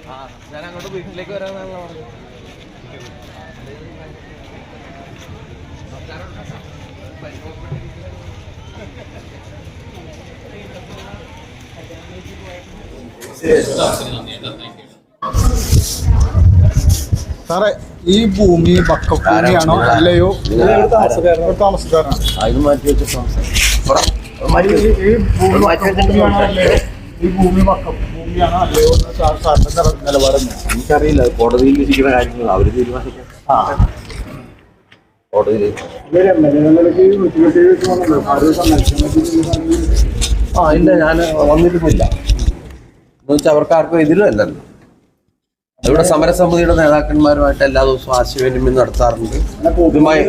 ഞാൻ അങ്ങോട്ട് വീട്ടിലേക്ക് വരാനാണല്ലോ പറഞ്ഞത്. സാറേ, ഈ ഭൂമി ഭൂമിയാണോ അല്ലയോ? താമസക്കാരാണ്. ഈ ഭൂമി ഭൂമിയാണോ അല്ലയോ സാറിന്റെ നിലപാടെന്ന് എനിക്കറിയില്ല. കോടതിയിൽ ഇരിക്കുന്ന കാര്യങ്ങൾ അവര് തീരുമാനിക്കാം. കോടതിയിൽ ഇല്ല, ഞാൻ വന്നിരുന്നില്ല എന്ന് വെച്ചാൽ അവർക്ക് ആർക്കും എതിരല്ലല്ലോ. ഇവിടെ സമരസമിതിയുടെ നേതാക്കന്മാരുമായിട്ട് എല്ലാ ദിവസവും ആശയവിനിമയം നടത്താറുണ്ട്. ഇതുമായി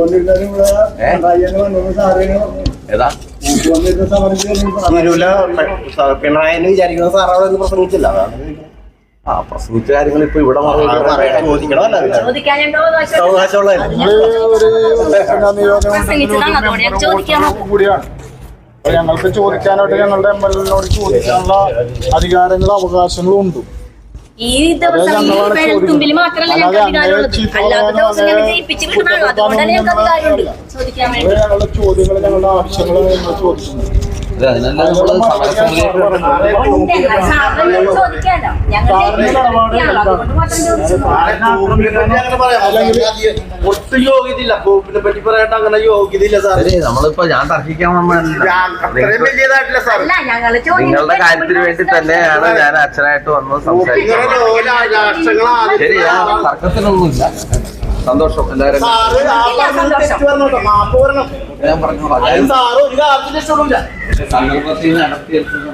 ഏതാ പിണറായിന്ന് വിചാരിക്കുന്ന സാറവിടെ ഒന്നും പ്രസംഗിച്ചില്ല. പ്രസംഗിച്ച കാര്യങ്ങൾ ഇപ്പൊ ഇവിടെ കൂടിയാണ്. ഞങ്ങൾക്ക് ചോദിക്കാനായിട്ട് ഞങ്ങളുടെ എംഎൽഎനോട് ചോദിക്കാനുള്ള അധികാരങ്ങളും അവകാശങ്ങളും ഉണ്ട്. ഈ ദിവസം വെളുത്തുമ്പിൽ മാത്രമല്ല ഞങ്ങൾക്ക് അധികാരമുള്ളത്, അല്ലാത്ത ദിവസം ഞങ്ങൾ ജയിപ്പിച്ച് കിട്ടണമല്ലോ. അതുകൊണ്ടാണ് ഞങ്ങൾക്ക് അധികാരമുണ്ട് ചോദിക്കാൻ വേണ്ടി. ഞങ്ങളുടെ ചോദ്യങ്ങൾ ഞങ്ങളുടെ ആവശ്യങ്ങൾ ഞങ്ങൾ ചോദിക്കുന്നു. ഒട്ടും യോഗ്യതയില്ല. ഭൂമിനെ പറ്റി പറയട്ടെ, അങ്ങനെ യോഗ്യതയില്ല സാറേ. നമ്മളിപ്പോ ഞാൻ തർക്കിക്കാൻ നിങ്ങളുടെ കാര്യത്തിന് വേണ്ടി തന്നെയാണ് ഞാൻ അച്ഛനായിട്ട് വന്ന് സംസാരിക്കുന്നത്. ശരിയാ, തർക്കത്തിനൊന്നുമില്ല. സന്തോഷം. എല്ലാവരും ഞാൻ പറഞ്ഞോളാം. സന്ദർഭത്തിൽ നടത്തിയെടുത്ത്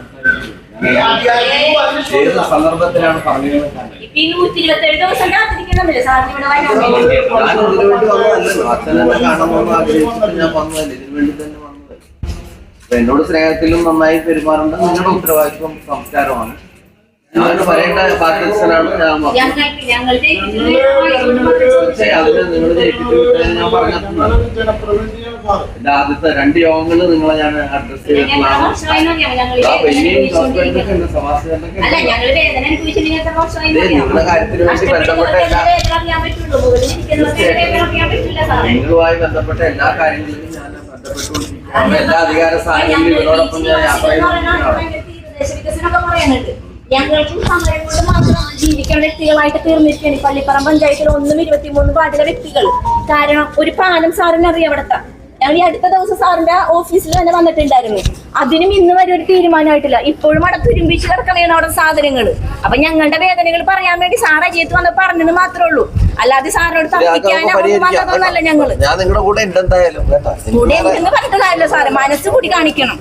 ഏത് സന്ദർഭത്തിലാണ് പറഞ്ഞത്? അച്ഛനെന്നെ കാണണമെന്ന് ആഗ്രഹിച്ചിട്ട് ഞാൻ വന്നതല്ലേ, ഇതിനു വേണ്ടി തന്നെ വന്നതല്ലേ. എന്നോട് സ്നേഹത്തിലും നന്നായി പെരുമാറേണ്ട നിങ്ങളുടെ ഉത്തരവാദിത്വം സംസ്കാരമാണ്. ഞാനോട് പറയേണ്ട ബാധ്യസ്ഥനാണ് ഞാൻ. അതിന് നിങ്ങൾ ജയിപ്പിച്ചു ഞാൻ പറഞ്ഞതാണ്. എന്റെ ആദ്യത്തെ 2 യോഗങ്ങളിൽ നിങ്ങളെ ഞാൻ അഡ്രസ് ചെയ്തിട്ടുള്ളതാണ്. നിങ്ങളുടെ കാര്യത്തിന് വേണ്ടി ബന്ധപ്പെട്ട നിങ്ങളുമായി ബന്ധപ്പെട്ട എല്ലാ കാര്യങ്ങളിലും ഞാൻ ബന്ധപ്പെട്ടുകൊണ്ടിരിക്കുകയാണ്. എല്ലാ അധികാര സ്ഥാനങ്ങളിലും ഇവരോടൊപ്പം ഞാൻ യാത്ര ചെയ്തിട്ടുള്ളതാണ്. ഞങ്ങൾക്കും സമരം കൊണ്ട് മാത്രം ജീവിക്കേണ്ട വ്യക്തികളായിട്ട് തീർന്നിരിക്കുകയാണ് ഈ പള്ളിപ്പറമ്പ് പഞ്ചായത്തിൽ 1-23 വാർഡിലെ വ്യക്തികൾ. കാരണം ഒരു പാലം സാറിന് അറിയാം അവിടുത്തെ. ഞങ്ങൾ ഈ അടുത്ത ദിവസം സാറിന്റെ ഓഫീസിൽ തന്നെ വന്നിട്ടുണ്ടായിരുന്നു. അതിനും ഇന്ന് വരെ ഒരു തീരുമാനമായിട്ടില്ല. ഇപ്പോഴും അവിടെ തുരുമ്പിച്ച് കിടക്കണേണ് അവിടെ സാധനങ്ങൾ. അപ്പൊ ഞങ്ങളുടെ വേദനകൾ പറയാൻ വേണ്ടി സാർ അജിയത്ത് വന്ന് പറഞ്ഞത് മാത്രമേ ഉള്ളൂ. അല്ലാതെ സാറിനോട് തർക്കിക്കാനോ വന്നതൊന്നല്ല. ഞങ്ങള് കൂടെ ഉണ്ടെന്ന് പറഞ്ഞിട്ട് കാര്യമില്ല സാറ്. മനസ്സ് കൂടി കാണിക്കണം.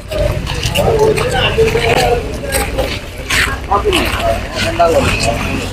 ഉണ്ടാകും.